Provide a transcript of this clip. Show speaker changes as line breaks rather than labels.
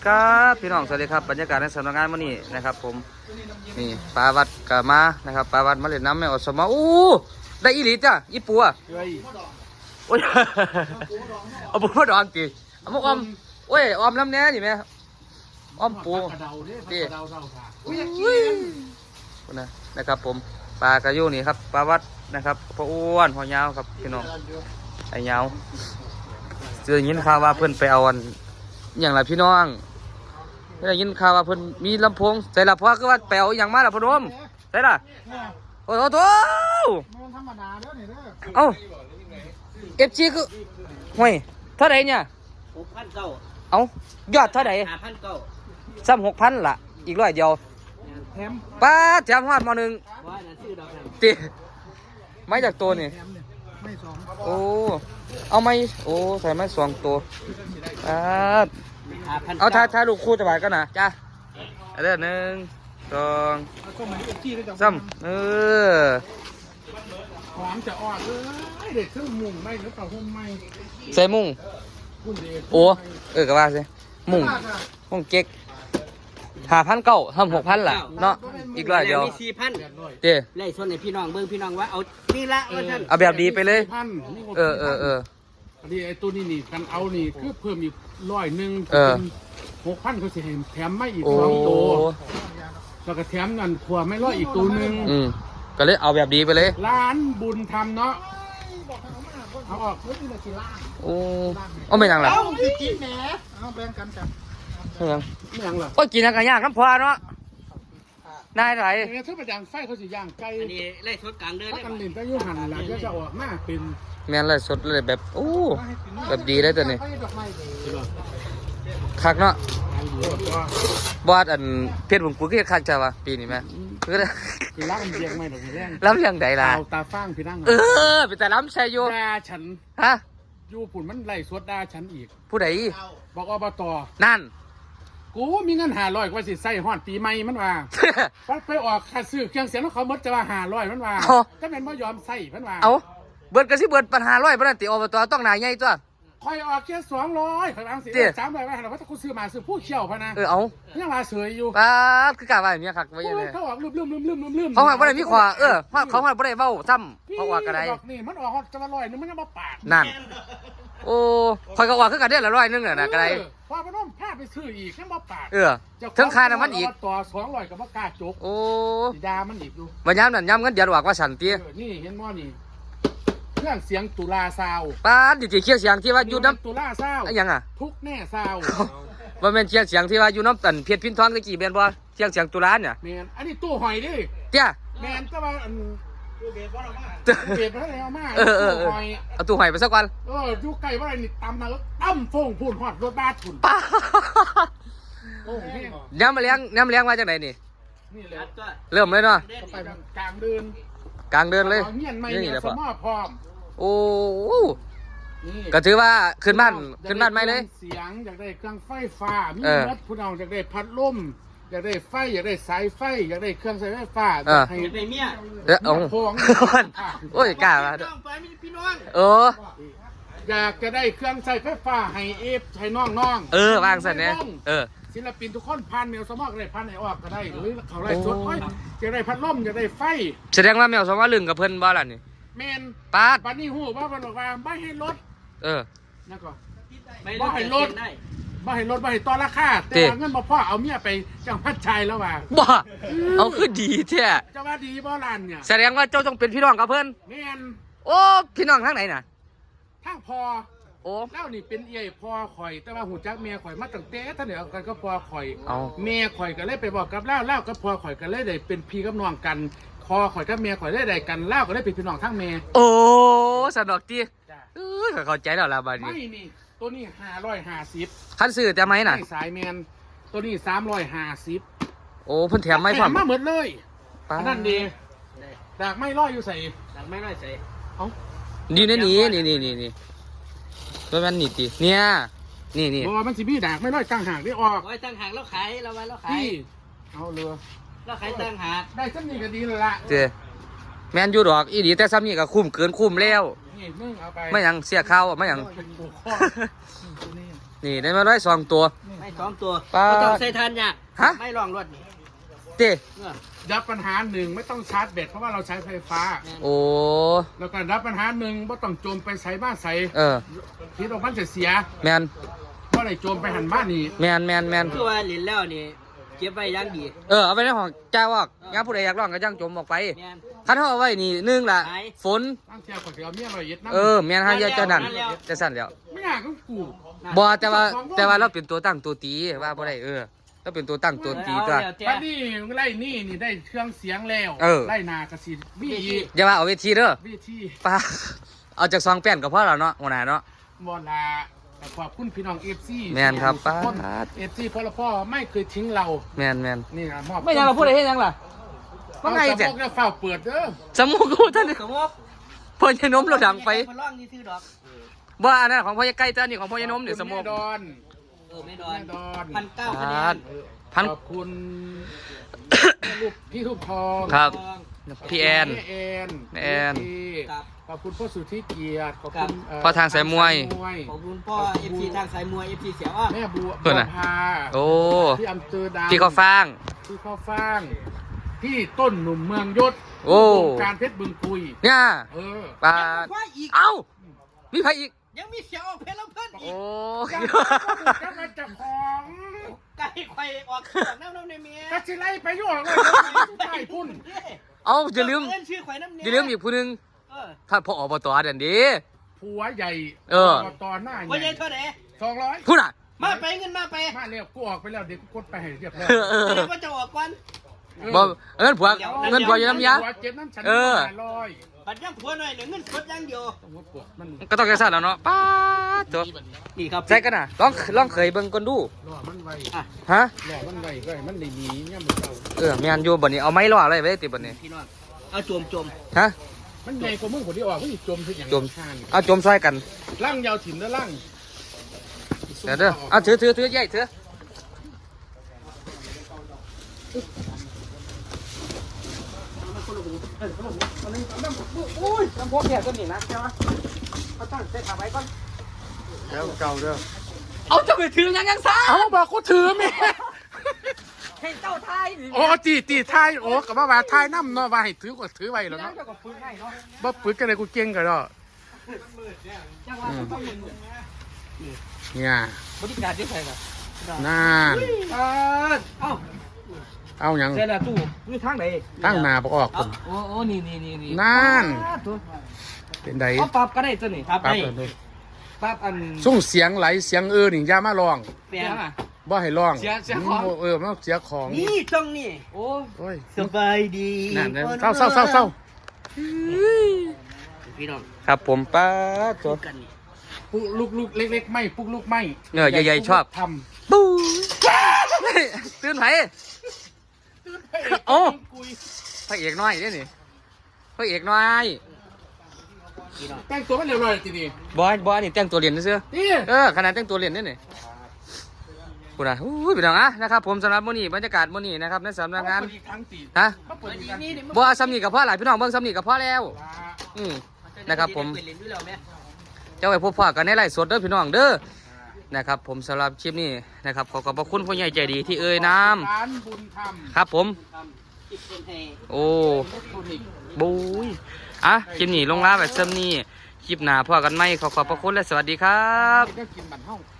ครับพี่น้องสวัสดีครับบรรยากาศในสำนักงานมื้อนี้นะครับผมนี่ปลาวัดกะมานะครับปลาวัดมาเล่นน้ำแม่อสมอู้ได้อีหลีจ้ะอีปัวโอ้ยเอาปูมาดองจีเอามาออมโอ้ยออมน้ำแน่นี่แม่ออมปูจีนะครับผมปลากระยูนี่ครับปลาวัดนะครับปลาอ้วนหัวยาวครับพี่น้องไอ้ยาวเจอยินข่าวว่าเพื่อนไปเอาอันอย่างไรพี่น้องได้ยินข่าวว่าเพิ่นมีลำโพงใส่ละเพราะคือว่าแปลวอย่างมาละพนมใส่ละโอ้โหโถ่
มันธรรมดาเด้อนี่เด้อ
เอ้าFCคือห่วยเท่าไหร่เนี่ย
6,900
เอ้ายอดเท่าไหร่
5,900
ซ้ำ6,000ล่ะอีก100เดียว
แถม
ป้าแถมฮอดม.1
ว่าน่ะชื่อดอกนั่น
ติไม้จากตัวนี่
แถมเนี่ยไม่สอง
โอ้เอาไม้โอ้ใส่ไม้2ตัวเอาถ่ายลูกคู่จะบายกันนะจ้าเด้อ1 2
ก็มันจี้ได้จัง
3
หอมจะออดเลยเด็กเครื่องมุงไม่หรือเปล่าหุ้มไม่
ใส่มุ้ง
หุ้มเด็ก
โอ้ก็ว่าสิมุ้งเก๊ก5,900ทำ6,000ล่ะเนาะอีก100เดียว
มี4,000
เด้
ไล่ส่วนให้พี่น้องเบิ่งพี่น้องว่าเอานี่ละว่าท่าน
เอาแบบดีไปเลย
พันอันนี้ไอ้ตัวนี้นี่กันเอานี่คือเพิ่มอีก100เป็น6,000เขาสิให้แถมไม่อีก2ตัวแล้วก็แถมนั่นขวไม่ร้อยอีกตัวนึง
ก็เลยเอาแบบดีไปเลย
ร้านบุญทำเนาะเอาออกเฮ้ยนี่ละกี่ล้าน
โอ้เอาไม่ยังล่ะ
เอาสิกินแหมเอาแบ่งกันจ้ะ
ไม่ยัง
เหรอ
โอ้ยกินกันยากน้ำพอเนาะนายไหน
เนี่ยถ้าไปย่างไฟเขาสิย่างไก่
อันนี้ไล่สดกลางเดินได้
กันเล่นก็ยุ่หันหลังก็จะออกมาเป็น
แม่นเลยสดเลยแบบโอ้แบบดีเลยตัวนี้คักเนาะบอดอันเพชรบุญกูก็คักจ้าวะปีนี้แม่
คือล้ำเลียงไม่หรอกแรง
ล้ำเลียงใดล่ะ
ตาฟ้างพี่นั่ง
เป็นแต่ล้ำใช่อยู่
ด่าฉัน
ฮะ
อยู่ผุนมันไล่สวดด่าฉันอีก
ผู้ใด
บอกอบต.
นั่น
กูมีเงิน500กว่าสิใส่ฮอดปีใหม่มันว่าไปออกค่าซื้อเครื่องเสียงแล้วเขาหมดจะว่า500มันว่าก็เป็นบ่ยอมใส่มันว่า
เอาเบิดก็สิเบิดปัญหา100บ่นั่นติอบต.ต้องหนาใหญ่ตัว
คอยออกแค่200ข่อยบางสิ300ว่าเราว่ากูซื้อมาซื้อผู้เชี่ยวพะนะ
เอา
ยังมาเสยอยู่
ป้าคือกะว่าอย่างนี้คักไว้ยังไง
เขาออกลืม
เขาบ่ได้มีขวาเขาบ่ได้เว้าซ้ำเขาออกกระได
นี่มันออกจะละ100นึงมันยังบ่ปาก
นั่นโอ้คอยก็ออกคือกันเด้อละ100นึงน่ะกระได
พอพนมพาไปซื้ออีกยังบ่ปาก
ถึงค่าน้ำมันอีก
ต่อ200ก็บ่กล้าจก
โอ้
สิดามันอีกอยู่
บ่ยามนั่นยามเงินเดือนออกว่าสั่นติ
นี่เห็นบ่นี่เครื่องเสียงตุลาซาว
ป้าดิเคียงเสียงที่ว่าอยู่น้ำ
ตุลาซาว
ยังอ่ะ
ทุกแน่ซาว
ว่าแม่นเคียงเสียงที่ว่าอยู่น้ำตันเพชรพินทองตะกี้แม่นบ่เคียงเสียงตุลาเนี่ย
แม่นอันนี้ตู้หอยดิ
เจ้า
แม่นก็ว่าตู้เบสมาแล้วมาตู้หอย
เอาตู้หอยไปสักวัน
อยู่ไกลว่าอะไรนี่ตำมาแล้วตั้มฟงพูนหอดรถบ้าถุน
ป้าน้ำมาเลี้ยงว่าจังไหนนี่เริ่มเลยเนาะ
ไปกลางเดิน
เลย
นี่แหละพ่อพร้อม
โอ้ก็ถือว่าขึ้นบ้านไม่เลย
เสียงอยากได้เครื่องไฟฟ้ามีรถผู้น้องอยากได้พัดลมอยากได้ไฟอยากได้สายไฟอยากได้เครื่องใช้ไฟฟ้า
ให้ได้เมีย
พงโอ้ยกล้ามา
อยากจะได้เครื่องใช้ไฟฟ้าให้ใช้น้อง
วางสันเนี่ย
ศิลปินทุกคนพันแมวสมอกได้พันไหนออกก็ได้หรือเขาไล่สดอยากได้พัดลมอยากได้ไฟ
แสดงว่าแมวสมอกลึงกับเพิ่นบ้าล่ะนี่
แมน
ปาด
บัดนี้หูว่ามันบอกว่าไม่ให้ลดนั่นก็
บ่ให้ลด
บ่ให้ต่อราคาแต่เงินบ่พอเอาเมียไปจังพัดชัยแล้วว่า
บ่เอาคือดีแท้
จะว่าดีบ่ล่ะเนี่ย
แสดงว่าเจ้าต้องเป็นพี่น้องกับเพิ่น
แมน
โอ้พี่น้องทางไหนน่ะ
ทางพอแล้วนี่เป็นเอี่ยพอข่อยแต่ว่าหูจักเมียข่อยมาตั้งแต่ท่านเดียวกันก็พอข่อยเมียข่อยก็เลยไปบอกกับเล่าก็พอข่อยก็เลยได้เป็นพี่กับน้องกันพอข่อยกับเมียข่อยได้กันเล่าก็ได้เป็นพี่น้องทั้งเมีย
โอ้สนุกจีเข้าใจแล้วล่ะบัดนี้
ไม่นี่ตัวนี้550
คันซื้อแต่ไหมน่ะ
สายแมนตัวนี้350
โอ้เพิ่นแถมไม่พร้อม
มาหมดเลยนั่นดีดากไม่ร้อยอยู่ใส่
ดากไม่ร้อยใส่
นี่นี่ตัวมันนี่ติเนี่ยนี่
บอกว่ามันสิมีดากไม่ร้อยตั้งหากได้ออก
ตั้งหากแล้วขายเราไว้แล้วขาย
เอาเรือ
แล้วขายตั้งหาก
ได้ซ้ำนี่ก็ดีเลยละ
เจ้แมนอยู่ดอกอีดีแต่ซ้ำนี่ก็คุ้มเกินคุ้มแล้วไม่ยังเสียข้าวไม่ยังนี่ได้มา102ตัว
ไม่สองตัว
ปลา
บ่ต้องใส่ทานยาก
ฮะ
ไม่ลองรถนี่
เต้
เออ
รับปัญหาหนึ่งไม่ต้องชาร์จแบตเพราะว่าเราใช้ไฟฟ้า
โอ้
แล้วก็รับปัญหาหนึ่งว่าต้องโจมไปใส่บ้านใส่
เออ
ที่ตรงมันจะเสีย
แมน
เพราะอะไรโจมไปหันบ้านนี่
แมน
คือว่าเล่นแล้วนี่เก็บไว้อย่างดี
เอาไปในห้องจ้าวอกงานผู้ใดอยากร้องก็จ้างจมออกไป
แม่น
คันเขาเอาไว้นี่หนึ่งล่ะ
ไหน
ฝน
ตั้งเที่ยวก่อนจะเอาเมียเราเย็ดน้ำ
แมนหาเยอะเจ้านั่น
นั่นแล้ว
จะสั่นแล้ว
ไม่อยากก็กู
บ่แต่ว่าเราเป็นตัวตั้งตัวตีว่าบ่ได้เราเป็นตัวตั้งตัวตีตัว
เอาแล้วแต่
บ้านนี่ไล่นี่ได้เครื่องเสียงแล้ว
เออ
ไล่นากระสีบี้อีก
อย่าว่าเอาเวทีเด้อ
บี้ที่
ป้าเอาจากซองแป้นก็พอแล้วเนาะหัวหน้าเนาะ
บอลาแต่ขอบคุณพี่น้องเอฟซี
แม่นครับป้า
เอฟซีพ่อไม่เคยทิ้งเรา
แมน
นี่นะมอบ
ไม่ยังเราพูดอะไรให้ยังล่ะว่าไง
เจ้
เจ๊
พวกเนี่ยเฝ้าเปิดเด้อ
สมูกูท่าน
สมมติ
พ่อยายนมเราดังไป
พล่องนี่ซื้อดอก
บ่อันนั้นของพ่อยายใกล้เจ้านี่ของพ่อยายนมนี่สมู
แม่ดอน
ไม่ดอน
แม่ดอน
1,900 คะแนน
พัน
ขอบคุณลูกพี่ลูกทอง
ครับ พี่แอน
พี่แอน
แอน
พี่
ครับ
ขอบคุณพ่อสุทธิเกียรติขอบ
ครั
คุ
บ
ณ
พ่อทางสายมวย
ขอบคุณพ่อ FC ทางสายมวย FC เสียวอ่ะ
แม่บัว
เพิ่นน่ะ
พา
โอ้
ที่อำเภอดา
พี่เขาฟาง
ที่ข้าวฟ่างพี่ต้นหนุ่มเมืองยศ
โอ้
วงการเพชรบึงคุย
เนี่ย
เออ
ปลา
ว่าอีก
เอ้ามีใครอีก
ยังมีเสียวออกเพลงแล้วเพิ่นอี
โอ้
จะมาจับของ
ไก่ไข่ออกจากน้ำในเมีย
กะสิไล่ไปยุ่งเลยใช่พุ่น
เอาอย่าลืม
เอิ้นชื่อไข่น้ำเนี
อย่าลืมอีกผู้หนึง
เออ
ท่านพ่ออบตเด่นดี
ผัวใหญ่
เออ
ตอนหน้า
ว่า
ให
ใหญ่
ญ่
เท่าไหร่
200
พูดน่ะ
มาไปเงินมาไป
มาเร็วกูออกไปแล้วเดี๋ยวกูกดไปให้เรียบร้อย
เดี๋ยวว่าจะออกก่อน
บ่เงินผัวเงินผัวอยู่น้ำยา
ผัวเจ็บน้ำฉัน
เออ
500
บัดยังผัวหน่อยเดี๋ยวเงินสดอย่างเดียว
ต้องว่าปวดมัน
ก็ต้องแค่สั้นแล้วเนาะป้าดตัว
นี่ครับ
ใส่กันน่ะลองเคยเบิ่งก่อนดู
รอมันไว
ฮะ
รอมันไวก็ให้มันได้หนีเนี่ยมันเจ้า
แม่นอยู่บัดนี้เอาไม้ล่ออะไรไว้ติบัดนี้
พี่น้องเอาจม
ฮะ
มันใหญ่กว่ามึงคนที่ออกมันจมทุกอย่าง
จม
ข้าง
เอาจมซอยกัน
ล่างยาวถิ่นแล้วล่าง
เดี๋ยวเด้อเอาถือใหญ่ถืออุ้ยลำโพงแค่ต้นนี้นะใช่ไหมเขาตั้งเส้นขาไว้ก่อน
แล้วเก่าเด้อ
เอาจะไปถือยังซ่า
เอาบอกกูถือแม่
ให้เจ้าไทย
โอ้ตีท้ายโอ้กับว่าท้ายน้ำเนาะว่าให้ถือก็ถือไว้แล้วเนาะ
เจ้าก็ฟื้นให้เนาะ
บ่ปืนกันเลยกูเก่งกันเนาะ
จังหวะเขาต้องมึน
เนี่ย
บริการที่ใครล่ะ
นั่น
เอ้า
เอาหยัง
เสร็จแล้วตู้นี่ทางไหน
ตั้งหน้าบ่ออกคน
โอ้นี่
นั่น
ตัว
เป็นได
เอาปรับก็ได้ตัวนี้
ครับ
ปั๊บ
ได้
เลย
ปรับอัน
ส่งเสียงไหลเสียงนี่อย่ามาร้อง
เปลี่ยน
อ่ะ
บ่ให้ร้อง
เสียของ
มันเสียของ
นี่ตรงนี้
โอ้
โอ้ย
สบายดี
นั่นเลยเศร้า
พี่น้อง
ครับผมป้าตัว
กันนี่
ปุกลูกเล็กๆไม่ปุกลูกไม่
ใหญ่ๆชอบ
ท
ปูตื่นไผ
ำ
โอ้
กุย
พระเอกน้อยนี่พระเอกน้อย
พี่น้อง
แต่งตัวมันเรียบร้อยทีนี้
บอยนี่แต่งตัวเรียนซื่อ
นี่
ขนาดแต่งตัวเรียนนี่กูนะอู้พี่น้องนะครับผมสำหรับมื้อนี้บรรยากาศมื้อนี้นะครับในสำนักงาน
เปิดอีกครั้งตี
นะ
เขาเปิดอีกครั้ง
นี่
บ่ซ้ำนี่กับพ่อหลายพี่น้องเบิ่งซ้ำนี่กับพ่อแล้ว นะครับผม
เล่นด้วยแล้วแม่
เจ้าไว้พบพ่อกันในไลฟ์สดเด้อพี่น้องเด้อนะครับผมสำหรับคลิปนี้นะครับขอขอบพระคุณผู้ใหญ่ใจดีที่เอ่ยน้ำ
ร้านบุญธรรม
ครับผม
ทำคิดเป็นให้
โอ้
อิเล็กทรอนิกส์
บุยคลิปนี้ลงลาแบบเซิมนี่คลิปหน้าพ่อกันไหมขอขอบพระคุณและสวัสดีครับ
ก็กินบัตรห้อง